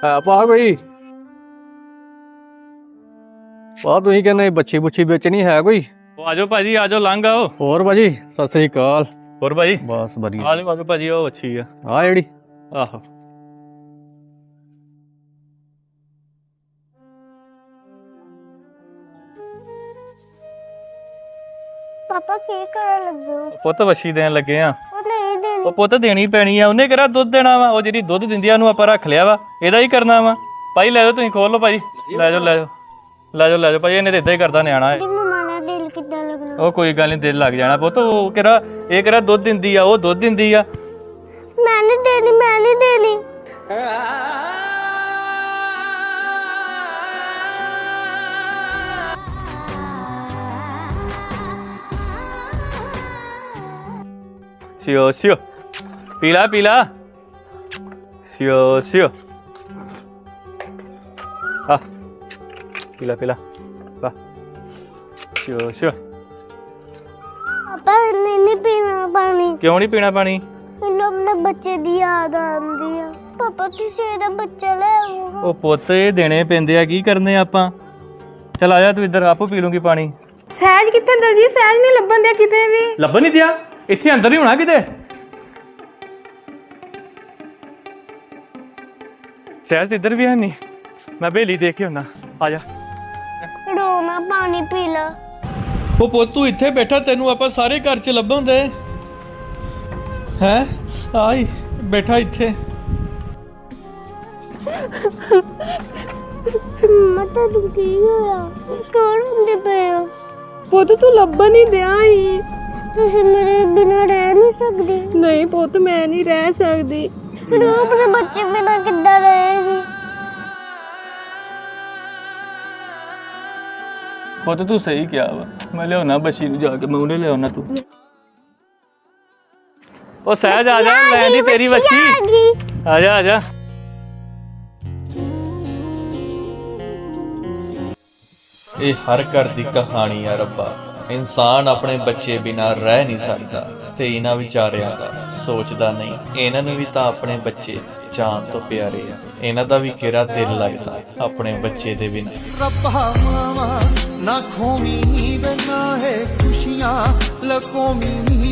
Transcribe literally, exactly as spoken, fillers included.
है पा कोई पा तुसीं कहने बच्ची बुच्छी बेचनी है कोई? आजो भाजी आजो लंघ आओ। और भाजी सत श्री अकाल। और भाजी बस बढ़िया। आजो आजो भाजी ओ अच्छी है हाँ जेड़ी आहो। पापा की ਕਰਨ ਲੱਗੇ ਹੋ? ਪੁੱਤ ਵੱਛੀ ਦੇਣ ਲੱਗੇ ਆ। ਉਹ ਨਹੀਂ ਦੇਣੀ। ਉਹ ਪੁੱਤ ਦੇਣੀ ਪੈਣੀ ਆ, ਉਹਨੇ ਕਿਹੜਾ ਦੁੱਧ ਦੇਣਾ ਵਾ, ਉਹ ਜਿਹੜੀ ਦੁੱਧ ਦਿੰਦੀ ਆ ਉਹਨੂੰ ਆਪਾਂ ਰੱਖ ਲਿਆ ਵਾ, ਇਹਦਾ ਹੀ ਕਰਨਾ ਵਾ। ਭਾਈ ਲੈ ਜਾਓ, ਤੁਸੀਂ ਖੋਲ ਲਓ ਭਾਜੀ, ਲੈ ਜਾਓ ਲੈ ਜਾਓ ਲੈ ਜਾਓ ਲੈ ਜਾਓ ਭਾਜੀ, ਇਹਨੇ ਤਾਂ ਇਦਾਂ ਹੀ ਕਰਦਾ ਨਿਆਣਾ ਇਹ। ਮੰਮਾ ਦਾ ਦਿਲ ਕਿੱਦਾਂ ਲੱਗਣਾ? ਉਹ ਕੋਈ ਗੱਲ ਨਹੀਂ, ਦਿਲ ਲੱਗ ਜਾਣਾ ਪੁੱਤ। ਉਹ ਕਿਹੜਾ ਇਹ ਕਿਹੜਾ ਦੁੱਧ ਦਿੰਦੀ ਆ, ਉਹ ਦੁੱਧ ਦਿੰਦੀ ਆ। ਮੈਂ ਨਹੀਂ ਦੇਣੀ, ਮੈਂ ਨਹੀਂ ਦੇਣੀ। शियो शियो पीला पीला शियो शियो हाँ पीला पीला वाह शियो शियो। पापा नहीं नहीं पीना पानी। क्यों नहीं पीना पानी? ਮੈਨੂੰ ਆਪਣੇ ਬੱਚੇ ਦੀ ਯਾਦ ਆਉਂਦੀ ਆ। ਪਾਪਾ ਤੁਸੀਂ ਇਹਦਾ ਬੱਚਾ ਲੈ ਆਓ। ਉਹ ਪੁੱਤ ਇਹ ਦੇਣੇ ਪੈਂਦੇ ਆ, ਕੀ ਕਰਨੇ ਆਪਾਂ। ਚਲ ਆ ਜਾ ਤੂੰ ਇੱਧਰ, ਆਪੋ ਪੀ ਲੂੰਗੀ ਪਾਣੀ। ਸਹਿਜ ਕਿੱਥੇ ਦਲਜੀਤ? ਸਹਿਜ ਨਹੀਂ ਲੱਭਣ ਦਿਆ ਕਿਤੇ ਵੀ। ਲੱਭਣ ਨਹੀਂ ਦਿਆ? ਇੱਥੇ ਅੰਦਰ ਹੀ ਹੋਣਾ ਕਿਤੇ। ਸਹਿਜ ਇੱਧਰ ਵੀ ਹੈ ਨਹੀਂ, ਮੈਂ ਬੇਲੀ ਦੇਖ ਕੇ ਹੁਣਾ। ਆ ਜਾ ਰੋਣਾ, ਪਾਣੀ ਪੀ ਲਾ। ਉਹ ਪੁੱਤ ਤੂੰ ਇੱਥੇ ਬੈਠਾ, ਤੈਨੂੰ ਆਪਾਂ ਸਾਰੇ ਘਰ 'ਚ ਲੱਭਣ ਦੇ ਹੈ। ਆਈ ਬੈਠਾ ਇੱਥੇ। ਮੰਮਾ ਤੁਹਾਨੂੰ ਕੀ ਹੋਇਆ? ਕੌਣ ਹੁੰਦੇ ਪਏ ਹੋ? ਪੁੱਤ ਤੂੰ ਲੱਭਣ ਨਹੀਂ ਦਿਆ ਹੀ। ਤੁਸੀਂ ਮੇਰੇ ਬਿਨਾਂ ਰਹਿ ਨਹੀਂ ਸਕਦੇ। ਨਹੀਂ ਪੁੱਤ ਮੈਂ ਨਹੀਂ ਰਹਿ ਸਕਦੀ। ਫਿਰ ਉਹ ਆਪਣੇ ਬੱਚੇ ਬਿਨਾਂ ਕਿੱਦਾਂ ਰਹੇਗੀ? ਪੁੱਤ ਤੂੰ ਸਹੀ ਕਿਹਾ ਵਾ, ਮੈਂ ਲਿਆਉਣਾ ਬੱਚੀ ਨੂੰ ਜਾ ਕੇ, ਮੈਂ ਉਹਨੇ ਲਿਆਉਣਾ। ਤੂੰ ਉਹ ਸਹਿਜ ਆ ਜਾ, ਲੈ ਦੀ ਤੇਰੀ ਬੱਚੀ। ਆ ਜਾ ਆ ਜਾ। ਇਹ ਹਰ ਘਰ ਦੀ ਕਹਾਣੀ ਆ ਰੱਬਾ। ਇਨਸਾਨ ਆਪਣੇ ਬੱਚੇ ਬਿਨਾਂ ਰਹਿ ਨਹੀਂ ਸਕਦਾ, ਤੇ ਇਹਨਾਂ ਵਿਚਾਰਿਆਂ ਦਾ ਸੋਚਦਾ ਨਹੀਂ। ਇਹਨਾਂ ਨੂੰ ਵੀ ਤਾਂ ਆਪਣੇ ਬੱਚੇ ਜਾਨ ਤੋਂ ਪਿਆਰੇ ਆ, ਇਹਨਾਂ ਦਾ ਵੀ ਕਿਹੜਾ ਦਿਲ ਲੱਗਦਾ ਆਪਣੇ ਬੱਚੇ ਦੇ ਬਿਨਾਂ। ਰੱਬਾ ਮਾਵਾ ਨਾ ਖੋਵੀਂ ਵੇ ਨਾ ਹੈ ਖੁਸ਼ੀਆਂ ਲਕੋਵੀਂ।